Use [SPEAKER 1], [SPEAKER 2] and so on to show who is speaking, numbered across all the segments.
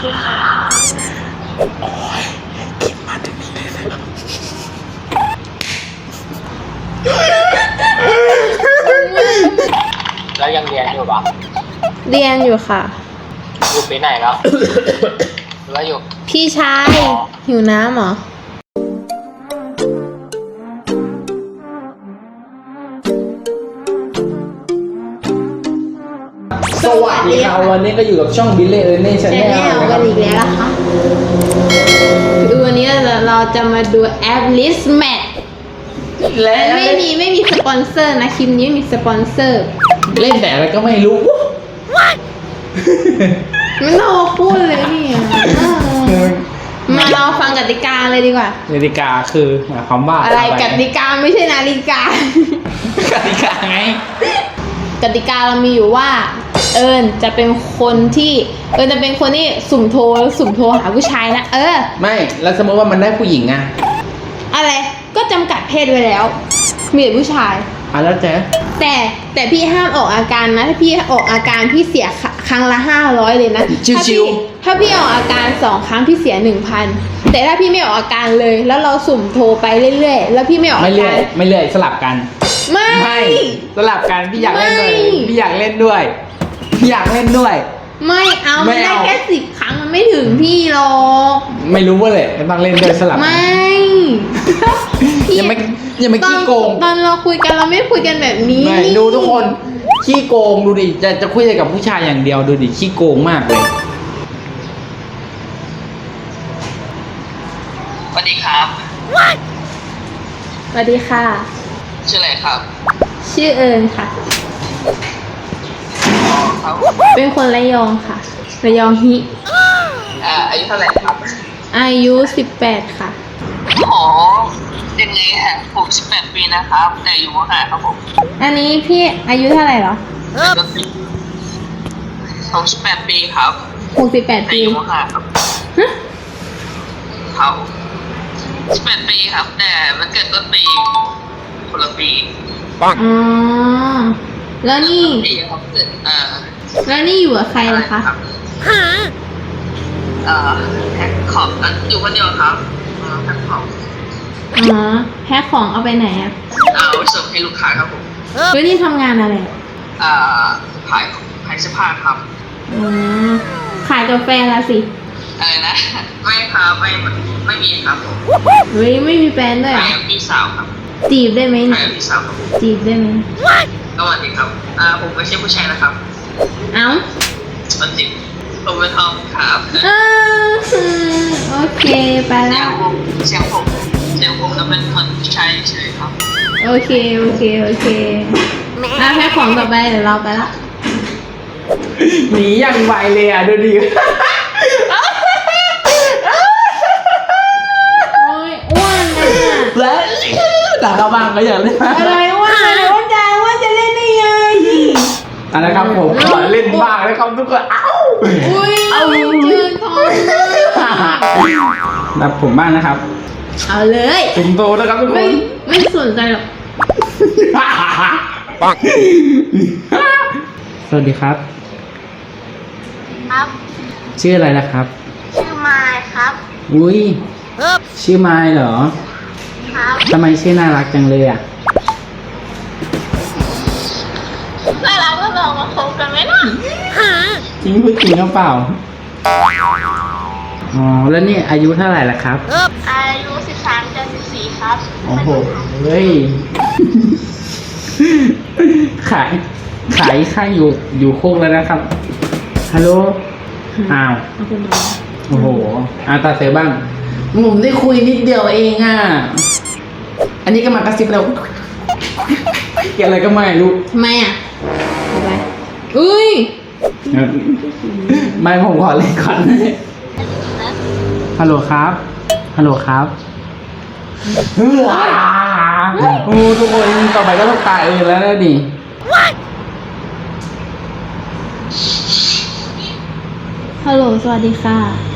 [SPEAKER 1] ดีค่ะ
[SPEAKER 2] โอ้ยคิดมาถึงนี้เลยนะครับ
[SPEAKER 3] แล้วยังเรียนอยู่ปะ
[SPEAKER 1] เรียนอยู่ค่ะ
[SPEAKER 3] อยู่ปีไหนแล้ว หรือว่าอยู่
[SPEAKER 1] พี่ชายหิวน้ำเหรอ
[SPEAKER 2] สวัสดีครับวันนี้ก็อยู่กับช่องบิลเล่เออร์เน่ชา
[SPEAKER 1] แช
[SPEAKER 2] แน
[SPEAKER 1] นแน
[SPEAKER 2] ล
[SPEAKER 1] ล
[SPEAKER 2] นะค
[SPEAKER 1] กั
[SPEAKER 2] รั
[SPEAKER 1] น
[SPEAKER 2] บ
[SPEAKER 1] อีกแล้วนะคะดูวันนี้เราจะมาดูแอป List Match
[SPEAKER 2] และ
[SPEAKER 1] ไม่มีสปอนเซอร์นะคลิปนี้ไม่มีสปอนเซอร์
[SPEAKER 2] เล่นแต่อะไรก็ไม่รู้
[SPEAKER 1] ไม่ต้องมาพูดเลยนี่มาเราฟังกติกาเลยดีกว่าก
[SPEAKER 2] ติกาคือหมายความว่า
[SPEAKER 1] อะไรกติกาไม่ใช่นาฬิกา
[SPEAKER 2] กติกาไง
[SPEAKER 1] กติกาเรามีอยู่ว่า เอิญจะเป็นคนที่สุ่มโทรหาผู้ชายนะ
[SPEAKER 2] ไม่แล้วสมมติว่ามันได้ผู้หญิงอะ
[SPEAKER 1] อะไรก็จำกัดเพศไว้แล้ว มีแต่ผู้ชาย
[SPEAKER 2] แล้วเจ๊
[SPEAKER 1] แต่พี่ห้ามออกอาการนะถ้าพี่ออกอาการพี่เสียครั้งละ500เลยนะถ้าพี่ออกอาการ2 ครั้งพี่เสีย 1,000แต่ถ้าพี่ไม่ออกอาการเลยแล้วเราสุ่มโทรไปเรื่อยๆแล้วพี่ไม่ออกอาการ
[SPEAKER 2] ไม่เรื่อยสลับกัน
[SPEAKER 1] ไม่
[SPEAKER 2] สลับกันพี่อยากเล่นด้วย
[SPEAKER 1] ไม่
[SPEAKER 2] พี่อยากเล่นด้วยพี่อยากเล่นด้วย
[SPEAKER 1] ไม่เอา
[SPEAKER 2] ไม่
[SPEAKER 1] ไม่ได้
[SPEAKER 2] เอา
[SPEAKER 1] แค่10 ครั้งมันไม่ถึงพี่หรอก
[SPEAKER 2] ไม่รู้ว่าเลยต้องเล่นด้วยสลับ
[SPEAKER 1] ไม่
[SPEAKER 2] อย่ามาขี้โกง
[SPEAKER 1] ตอนเราคุยกันเราไม่คุยกันแบบนี้
[SPEAKER 2] ไม่ดูทุกคนขี้โกงดูดิจะคุยกับผู้ชายอย่างเดียวดูดิขี้โกงมากเลย
[SPEAKER 3] สวัสดีครับ
[SPEAKER 1] สวัสดีค่ะ
[SPEAKER 3] ชื่ออะไรครับ
[SPEAKER 1] ชื่อเอิญค่ะ
[SPEAKER 3] ครับ
[SPEAKER 1] เป็นคนระยองค่ะระยองฮิ
[SPEAKER 3] อายุเท่าไหร่ครับ
[SPEAKER 1] อายุ18ค่ะ
[SPEAKER 3] อ๋อยังไงฮะผม18 ปีนะครับ แต่อยู่มหาครับผม
[SPEAKER 1] อันนี้พี่อายุเท่าไหร่เหรอ
[SPEAKER 3] ผม18 ปีครับ
[SPEAKER 1] 68
[SPEAKER 3] แต่
[SPEAKER 1] ปี
[SPEAKER 3] อยู่มหาครับ
[SPEAKER 1] ฮะ
[SPEAKER 3] เขา18 ปีครับ แต่มันเกิดต้นปีคนละปี
[SPEAKER 1] อ๋อแล้วนี่
[SPEAKER 3] ปีครับเกิด
[SPEAKER 1] แล้วนี่อยู่กับใครล่ะคะ
[SPEAKER 3] แพ็คของอยู่คนเดียวครับแพ็คของ
[SPEAKER 1] อ๋อแพ็คของเอาไปไหนอะ
[SPEAKER 3] เอาไปส่งให้ลูกค้าครับผม
[SPEAKER 1] แล้วนี่ทำงานอะไรอะ
[SPEAKER 3] ขายเสื้อผ้าครับ
[SPEAKER 1] อ๋อขายกาแฟละสิ
[SPEAKER 3] อะไรนะ ไม่ครับไม่มีครับผม
[SPEAKER 1] เฮ้ยไม่มีแฟนด้วยเหร
[SPEAKER 3] ขาย
[SPEAKER 1] อ
[SPEAKER 3] กับพี่สาวครับ
[SPEAKER 1] จีบได้ไหม
[SPEAKER 3] ขาย
[SPEAKER 1] เนี่ย
[SPEAKER 3] กับพี่สาวครับ
[SPEAKER 1] จีบได้ไหม
[SPEAKER 3] สวัสดีครับผมไม่ใช่ผู้ชายนะครับ
[SPEAKER 1] เอ้า
[SPEAKER 3] มันจริงผมเป็นทอมครับ
[SPEAKER 1] โอเคไป
[SPEAKER 3] เสีย
[SPEAKER 1] แล้
[SPEAKER 3] ง
[SPEAKER 1] ว
[SPEAKER 3] ผมเสียงผมจะเป็นคนผู้ชายเฉยๆครับ
[SPEAKER 1] โอเคแพ็คของต่อไปเดี๋ยวเราไปละ
[SPEAKER 2] หนีอย่างไวเลยอ่ะดูดิ
[SPEAKER 1] โอ้ยอ้วนนะ
[SPEAKER 2] และหลังกระบังก็อย่างเล่น
[SPEAKER 1] อะไรอ้วนใจว่าจะเล่นได้ไง
[SPEAKER 2] อันนะครับผมขอเล่นบ้างนะครับทุกคนเอ้า
[SPEAKER 1] อุ้ยเจอท้อง
[SPEAKER 2] รับผมบ้างนะครับ
[SPEAKER 1] เอาเลย
[SPEAKER 2] จุ่มโตนะครับทุกค
[SPEAKER 1] ไม่
[SPEAKER 2] น
[SPEAKER 1] ไม่สนใจหรอก
[SPEAKER 2] ปังสวัสดีครับ
[SPEAKER 4] ครับ
[SPEAKER 2] ชื่ออะไรนะครับ
[SPEAKER 4] ชื่อไมค์ครับ
[SPEAKER 2] อุ้ยชื่อไมล์เหรอ
[SPEAKER 4] ครับ
[SPEAKER 2] ทำไมชื่อน่ารักจังเลยอ่ะ
[SPEAKER 4] แล้วเราก็ลองมาคบกันไหมล่ะ
[SPEAKER 2] จริงพูดจริงหรือเปล่า อ๋อ แล้วนี่อายุเท่าไหร่ละครับ
[SPEAKER 4] อายุ13 จะ 14 ครับ
[SPEAKER 2] โอ้โห เฮ้ย ขายข้างอยู่โคกแล้วนะครับ ฮัลโหล อ้าว
[SPEAKER 1] เอาคุณมา
[SPEAKER 2] โอ้โหตาเซบ้างผมได้คุยนิดเดียวเองอ่ะ อันนี้ก็มากระซิบเราเกี่ยวอะไรก็ไม่รู้
[SPEAKER 1] ทำไมอ่ะอะไรอุ้ย
[SPEAKER 2] ไม่ผมขอเล่นก่อนฮัลโหลครับ ฮัลโหลครับโอ้ทุกคนต่อไปก็ต้องตายแล้วนะดิ
[SPEAKER 1] ฮัลโหลสวัสดีค่ะ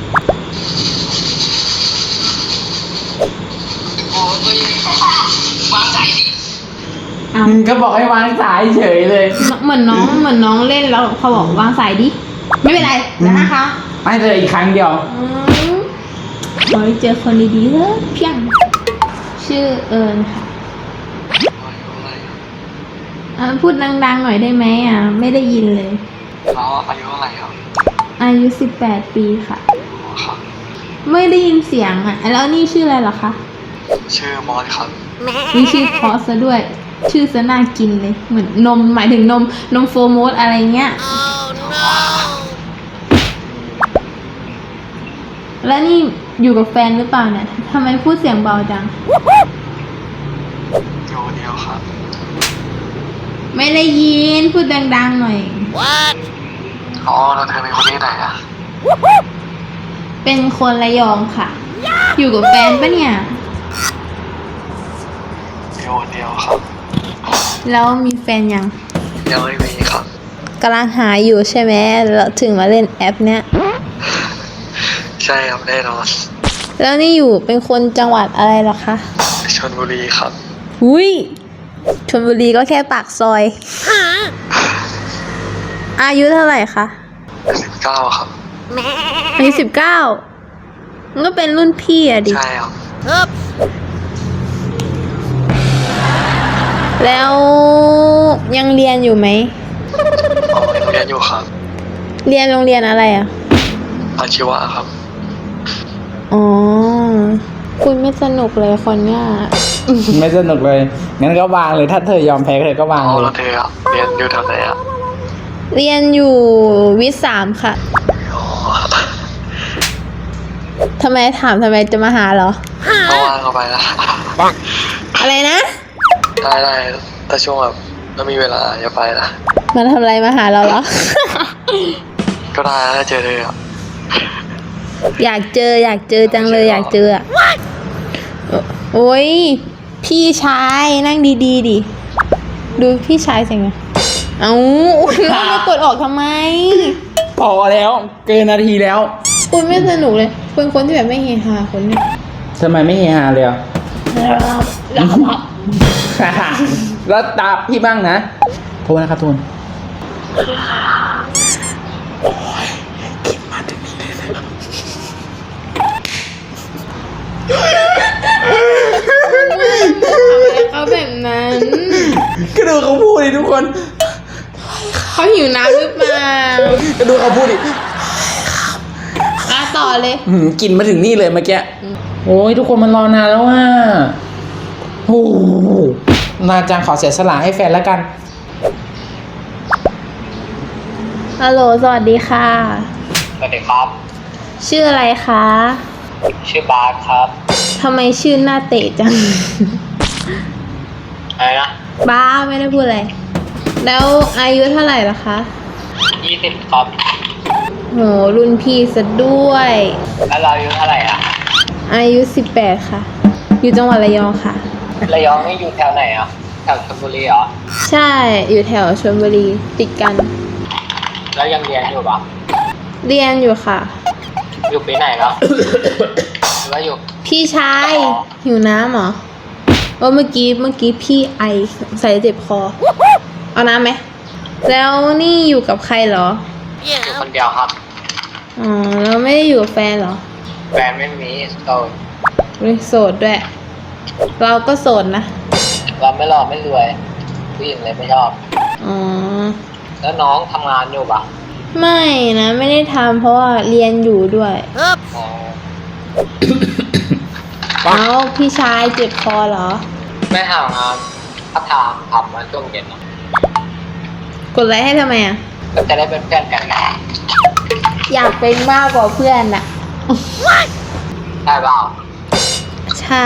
[SPEAKER 3] โอ้ยวางใจดิ
[SPEAKER 1] อ้าว
[SPEAKER 2] ก็บอกให้วางสายเฉยเลย
[SPEAKER 1] เหมือนน้องเล่นแล้วเขาบอกวางสายดิ ไม่เป็นไรเดี๋ยวนะคะ
[SPEAKER 2] ไม่เจออีกครั้งเดียว
[SPEAKER 1] ขอให้เจอคนดีๆเถอะเพียง ชื่อเอิญค่ะพูดดังๆหน่อยได้ไหมไม่ได้ยินเลย
[SPEAKER 3] แล้วอายุเท่าไหร่ครับ
[SPEAKER 1] อายุ18 ปีค่ะ
[SPEAKER 3] ครับ
[SPEAKER 1] ไม่ได้ยินเสียงแล้วนี่ชื่ออะไรเหรอคะ
[SPEAKER 3] ชื่อมอสครับ
[SPEAKER 1] มีชื่อพอสซะด้วย ชื่อซะน่ากินเลย เหมือนนมหมายถึงนมโฟร์โมสอะไรเงี้ย แล้วนี่อยู่กับแฟนหรือเปล่าเนี่ยทำไมพูดเสียงเบาจัง
[SPEAKER 3] อยู่เดียวครับ
[SPEAKER 1] ไม่ได้ยินพูดดังๆหน่อย
[SPEAKER 3] อ๋อแล้วเธอเป็นคนที่ไหนอ่ะ
[SPEAKER 1] เป็นคนระยองค่ะ อยู่กับแฟนปะเนี่ย
[SPEAKER 3] อยู่เดียวครับ
[SPEAKER 1] แล้วมีแฟนยัง
[SPEAKER 3] ยังไม่มีครับ
[SPEAKER 1] กำลังหาอยู่ใช่ไหมแล้วถึงมาเล่นแอปเนี้ย
[SPEAKER 3] ใช่ครับแน่นอน
[SPEAKER 1] แล้วนี่อยู่เป็นคนจังหวัดอะไรเหรอคะ
[SPEAKER 3] ชลบุรีครับ
[SPEAKER 1] อุ้ยชลบุรีก็แค่ปากซอย อายุเท่าไหร่คะ
[SPEAKER 3] 19ครับ
[SPEAKER 1] อายุ19มันก็เป็นรุ่นพี่อะดิ
[SPEAKER 3] ใช่ครับ
[SPEAKER 1] แล้วยังเรียนอยู่ไหม
[SPEAKER 3] อ๋อยังเรียนอยู่ครับ
[SPEAKER 1] เรียนโรงเรียนอะไรอะ
[SPEAKER 3] อาชีวะครับ
[SPEAKER 1] อ๋อ คุณไม่สนุกเลยคนเนี้ย
[SPEAKER 2] ไม่สนุกเลย งั้นก็วางเลย ถ้าเธอยอมแพ้เธอก็วาง
[SPEAKER 3] อ๋อ
[SPEAKER 2] เล
[SPEAKER 3] แล้ว
[SPEAKER 2] ย
[SPEAKER 3] เธออะเรียนอยู่แถวไหนอ่ะ
[SPEAKER 1] เรียนอยู่วิทย์3ค่ะ
[SPEAKER 3] อ๋อ
[SPEAKER 1] ทำไมจะมาหาเหรอ
[SPEAKER 3] ก็ว่างเข้าไปนะ
[SPEAKER 1] อะไรนะ
[SPEAKER 3] ได้แต่ช่วงแบบถ้ามีเวลาอย่าไปนะ
[SPEAKER 1] มาทำอะไรมาหาเราเหรอ
[SPEAKER 3] ก็ได้ถ้าเจอเธออะ
[SPEAKER 1] อยากเจอจังเลยอยากเจออะโอ้ยพี่ชายนั่งดีๆดิ ดูพี่ชายสิไงเอาแล้วมากดออกทำไม
[SPEAKER 2] พอแล้ว เกินนาทีแล้ว
[SPEAKER 1] คุณไม่สนุกเลยคุณคนที่แบบไม่เฮฮาคนนี้
[SPEAKER 2] ทำไมไม่เฮฮาเลยอ่ะ แล้วตาพี่บ้างนะ โทษนะครับทุน
[SPEAKER 1] เขาแบบนั้น
[SPEAKER 2] ก็ดูเขาพูดดิทุกคน
[SPEAKER 1] เขาหิวน้ำหรือเปล่า
[SPEAKER 2] ก็ดูเขาพูดดิ
[SPEAKER 1] ต่อเลย
[SPEAKER 2] กลิ่นมาถึงนี่เลยเมื่อกี้ โอ้ยทุกคนมันรอนานแล้วว่าโอ้โหนาจังขอเสียสละให้แฟนแล้วกัน
[SPEAKER 1] ฮัลโหลสวัสดีค่ะ
[SPEAKER 3] สวัสดีครับ
[SPEAKER 1] ชื่ออะไรคะ
[SPEAKER 3] ชื่อบาสครับ
[SPEAKER 1] ทำไมชื่อหน้าเตะจัง
[SPEAKER 3] อะไรนะ
[SPEAKER 1] บ้าไม่ได้พูดอะไร แล้วอายุเท่าไหร่ล่ะคะ
[SPEAKER 3] 20ครับ
[SPEAKER 1] โหรุ่นพี่ซะด้วย
[SPEAKER 3] แล้วเราอายุเท่าไหร่อ่ะ
[SPEAKER 1] อายุ18ค่ะ อยู่จังหวัดระยองค่ะ
[SPEAKER 3] ระยองนี่อยู่แถวไหนอ่ะ แถวชลบุรีเหรอ
[SPEAKER 1] ใช่อยู่แถวชลบุรีติดกัน
[SPEAKER 3] แล้วยังเรียนอยู่ปะ
[SPEAKER 1] เรียนอยู่ค่ะ
[SPEAKER 3] อยู่ปีไหนแล้ว หรือว่าอยู่
[SPEAKER 1] พี่ชายหิวน้ำเหรอว่าเมื่อกี้พี่ไอใส่เจ็บคอ เอาน้ำไหม แล้วนี่อยู่กับใครเหรอ
[SPEAKER 3] อยู่คนเดียวครับ
[SPEAKER 1] อ๋อแล้วไม่ได้อยู่กับแฟนเหรอ
[SPEAKER 3] แฟนไม่มีโสด
[SPEAKER 1] โสดด้วย เราก็โสดนะ
[SPEAKER 3] เราไม่หล่อไม่รวย ผู้หญิงเลยไม่ชอบ
[SPEAKER 1] อ๋อ
[SPEAKER 3] แล้วน้องทำงานอยู่ปะ
[SPEAKER 1] ไม่นะ ไม่ได้ทำเพราะว่าเรียนอยู่ด้วย
[SPEAKER 3] อ๋อ
[SPEAKER 1] แล้วพี่ชายเจ็บคอเหรอ
[SPEAKER 3] ไม่หางานพัฒนาทำมาช่วงเย็นเนอะ
[SPEAKER 1] กดไลค์ให้ทำไมอ่ะ
[SPEAKER 3] ก็จะได้เป็นเพื่อนกันไง
[SPEAKER 1] อยากเป็นมากกว่าเพื่อนอ่ะ
[SPEAKER 3] ได้เปล่า
[SPEAKER 1] ใช่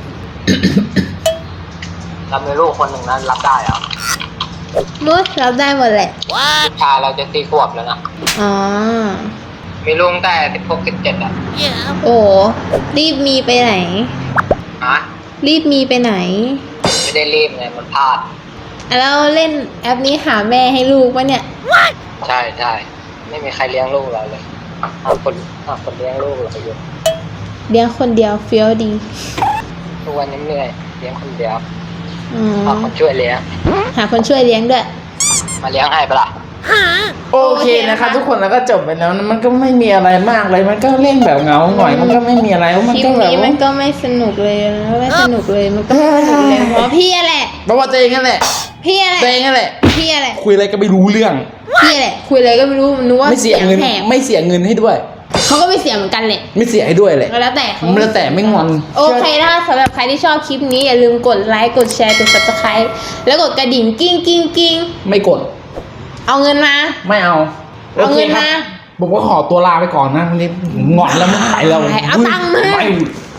[SPEAKER 3] เรามีลูกคนหนึ่งนั้นรับได้เหรอ
[SPEAKER 1] มุดรับได้หมดแหละ
[SPEAKER 3] ลูกชายเราจะ4 ขวบแล้วนะ
[SPEAKER 1] อ๋อ
[SPEAKER 3] มีลูกตั้งแต่16 17อ่ะ
[SPEAKER 1] โอ้รีบมีไปไหน
[SPEAKER 3] ฮะ
[SPEAKER 1] รีบมีไปไหน
[SPEAKER 3] ไม่ได้รีบไงมันพลาด
[SPEAKER 1] แล้วเล่นแอปนี้หาแม่ให้ลูกปะเนี่ย
[SPEAKER 3] ใช่ไม่มีใครเลี้ยงลูกเราเลยหาคนเลี้ยงลูกเราอยู่
[SPEAKER 1] เลี้ยงคนเดียวเฟี้ยวดี
[SPEAKER 3] ทุกวันนี้เหนื่อยเลี้ยงคนเดียว
[SPEAKER 1] อ๋อ
[SPEAKER 3] หาคนช่วยเลี้ยง
[SPEAKER 1] หาคนช่วยเลี้ยงด้วย
[SPEAKER 3] มาเลี้ยงให้ปะล่ะ
[SPEAKER 2] โอเคนะคะทุกคนแล้วก็จบไปแล้วนะมันก็ไม่มีอะไรมากเลยมันก็เล่นแบบเหงาหน่อยมันก็ไม่มีอะไรมัน
[SPEAKER 1] คลิป
[SPEAKER 2] ก็แบบ
[SPEAKER 1] นี้มันก็ไม่สนุกเลยนะไม่สนุกเลยมันก็ไม่สนุกเลยเพราะพี่แหละ
[SPEAKER 2] เพราะว่าตัวเองนั่นแหละ
[SPEAKER 1] พี่แหละ
[SPEAKER 2] ตัวเองนั่นแหละ
[SPEAKER 1] พี่แหละ
[SPEAKER 2] คุยอะไรก็ไม่รู้เรื่อง
[SPEAKER 1] พี่แหละคุยอะไรก็ไม่รู้นึกว่า
[SPEAKER 2] ไม่เสียเงิน
[SPEAKER 1] แหบ
[SPEAKER 2] ไม่เสียเงินให้ด้วย
[SPEAKER 1] เขาก็ไม่เสียเหมือนกันแหละ
[SPEAKER 2] ไม่เสียให้ด้วยเลย
[SPEAKER 1] แล้วแต่เขา
[SPEAKER 2] แล้วแต่ไม่งอน
[SPEAKER 1] โอเคถ้าสำหรับใครที่ชอบคลิปนี้อย่าลืมกดไลค์กดแชร์กด subscribe แล้วกดกระดิ่งกิ้งกิ้งกิ้ง
[SPEAKER 2] ไม่กด
[SPEAKER 1] เอาเงินมา
[SPEAKER 2] ไม่เอา
[SPEAKER 1] เอาเงิน
[SPEAKER 2] โคครับ
[SPEAKER 1] มา
[SPEAKER 2] ผมก็ขอตัวลาไปก่อนนะวันนี้งอนแล้วไม่ไหวแล้ว
[SPEAKER 1] เอาตังค์มา
[SPEAKER 2] ไป